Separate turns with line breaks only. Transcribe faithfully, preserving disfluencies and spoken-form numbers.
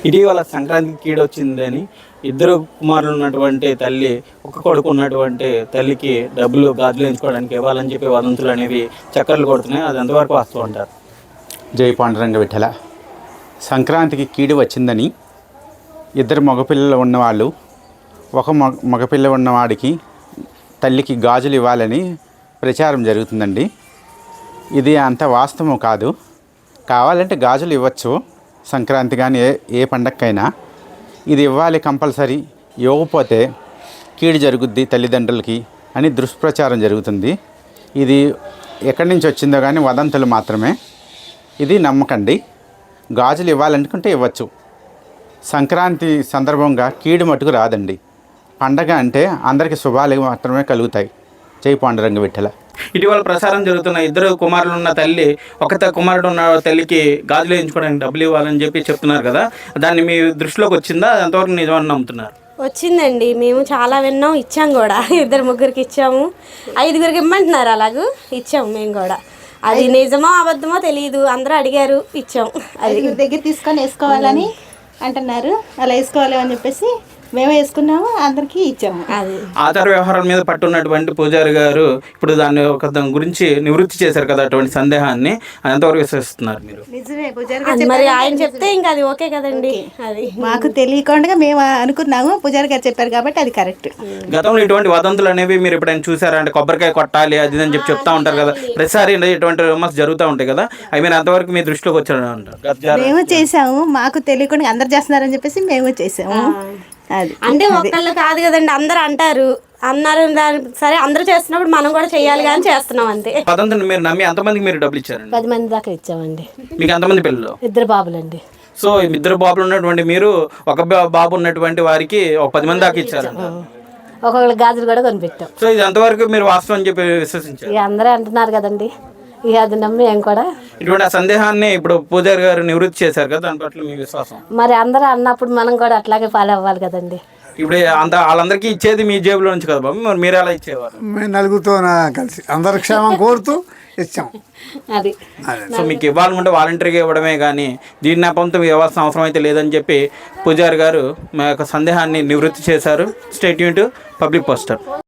ఇటీవల సంక్రాంతికి కీడొచ్చిందని ఇద్దరు కుమారులు ఉన్నటువంటి తల్లి ఒక కొడుకు ఉన్నటువంటి తల్లికి డబ్బులు గాజులు ఎంచుకోవడానికి ఇవ్వాలని చెప్పి వదంతులు అనేవి చక్కర్లు కొడుతున్నాయి. అది ఎంతవరకు వస్తూ ఉంటారు?
జై పాండురంగ విఠల. సంక్రాంతికి కీడు వచ్చిందని ఇద్దరు మగపిల్లలు ఉన్నవాళ్ళు ఒక మగ మగపిల్ల ఉన్నవాడికి తల్లికి గాజులు ఇవ్వాలని ప్రచారం జరుగుతుందండి. ఇది అంత వాస్తవం కాదు. కావాలంటే గాజులు ఇవ్వచ్చు సంక్రాంతి కానీ ఏ ఏ పండగకైనా. ఇది ఇవ్వాలి కంపల్సరీ, ఇవ్వకపోతే కీడు జరుగుద్ది తల్లిదండ్రులకి అని దుష్ప్రచారం జరుగుతుంది. ఇది ఎక్కడి నుంచి వచ్చిందో కానీ వదంతులు మాత్రమే. ఇది నమ్మకండి. గాజులు ఇవ్వాలనుకుంటే ఇవ్వచ్చు. సంక్రాంతి సందర్భంగా కీడు మటుకు రాదండి. పండగ అంటే అందరికీ శుభాలు మాత్రమే కలుగుతాయి. జై పాండురంగ విఠల.
ఇటీవల ప్రసారం జరుగుతున్న ఇద్దరు కుమారులు ఉన్న తల్లి ఒక కుమారుడు ఉన్న తల్లికి గాజులు వేయించుకోవడానికి డబ్బులు ఇవ్వాలని చెప్పి చెప్తున్నారు కదా, దాన్ని మీ దృష్టిలోకి వచ్చిందా? ఎంతవరకు నిజమని నమ్ముతున్నారు?
వచ్చిందండి. మేము చాలా విన్నాం, ఇచ్చాం కూడా. ఇద్దరు ముగ్గురికి ఇచ్చాము, ఐదుగురికి ఇమ్మంటున్నారు, అలాగూ ఇచ్చాము మేము కూడా. అది నిజమో అబద్ధమో తెలియదు, అందరూ అడిగారు, ఇచ్చాం. అది
దగ్గర తీసుకొని వేసుకోవాలని అంటున్నారు. అలా వేసుకోవాలి అని చెప్పేసి మేము వేసుకున్నాము, అందరికీ ఇచ్చాము.
అది
ఆచార వ్యవహారాల మీద పట్టున్నటువంటి పూజారి గారు ఇప్పుడు దాన్ని ఒక దాని గురించి నివృత్తి చేశారు కదా, అటువంటి సందేహాన్ని ఎంతవరకు విశ్వసిస్తున్నారు మీరు?
నిజమే, పూజారి
అది మరి ఆయన చెప్తే ఇంకా అది ఓకే కదండి. అది
మాకు తెలియకుండా మేము అనుకున్నాము, పూజారి గారు చెప్పారు కాబట్టి అది కరెక్ట్.
గతంలో ఇటువంటి వదంతులు అనేవి మీరు ఎప్పుడైనా చూసారా? అంటే కొబ్బరికాయ కొట్టాలి అది అని చెప్పి చెప్తా ఉంటారు కదా, ప్రతిసారి ఇటువంటి రూమర్స్ జరుగుతూ ఉంటాయి కదా, అవి మీరు అంతవరకు మీ దృష్టిలోకి వచ్చారు అంటారు?
మేము చేసాము, మాకు తెలియకుండా అందరు చేస్తున్నారని చెప్పేసి మేము చేసాము. అది
అంటే ఒక్కళ్ళు కాదు కదండి, అందరు అంటారు అన్నారు. దాని సరే అందరూ చేస్తున్నప్పుడు మనం కూడా చెయ్యాలి కానీ చేస్తున్నాం అంతే.
వదంతుని మీరు నమ్మి ఎంతమందికి మీరు డబ్బులు ఇచ్చారండి?
పది మంది దాకా ఇచ్చామండి.
మీకు ఎంతమంది పిల్లలు?
ఇద్దరు బాబులండి.
సో ఇద్దరు బాబులు ఉన్నటువంటి మీరు ఒక బాబు ఉన్నటువంటి వారికి ఒక పది మంది దాకా ఇచ్చారు.
ఒక్కొక్కరు గాజులు కూడా కొనిపెట్టాం.
సో ఇది ఎంతవరకు మీరు వాస్తవం అని చెప్పి విశ్వసించారు?
ఇక అందరూ అంటున్నారు కదండి, ఇక అది నమ్మి ఏం కూడా.
ఇటువంటి ఆ సందేహాన్ని ఇప్పుడు పూజారి గారు నివృత్తి చేశారు కదా, దాని పట్ల మీ విశ్వాసం?
మరి అందరూ అన్నప్పుడు మనం కూడా అట్లాగే ఫాలో అవ్వాలి కదండి.
ఇప్పుడు అంత వాళ్ళందరికీ ఇచ్చేది మీ జేబులో నుంచి కదా బాబు, మరి మీరు ఎలా ఇచ్చేవారు?
మేము నలుగురితో కలిసి అందరి క్షేమం కోరుతూ ఇచ్చాం.
అది
సో మీకు ఇవ్వాలనుకుంటే వాలంటరీగా ఇవ్వడమే కానీ దీని నెపంతో ఇవ్వాల్సిన అవసరం అయితే లేదని చెప్పి పూజారి గారు మా యొక్క సందేహాన్ని నివృత్తి చేశారు. State unit public poster.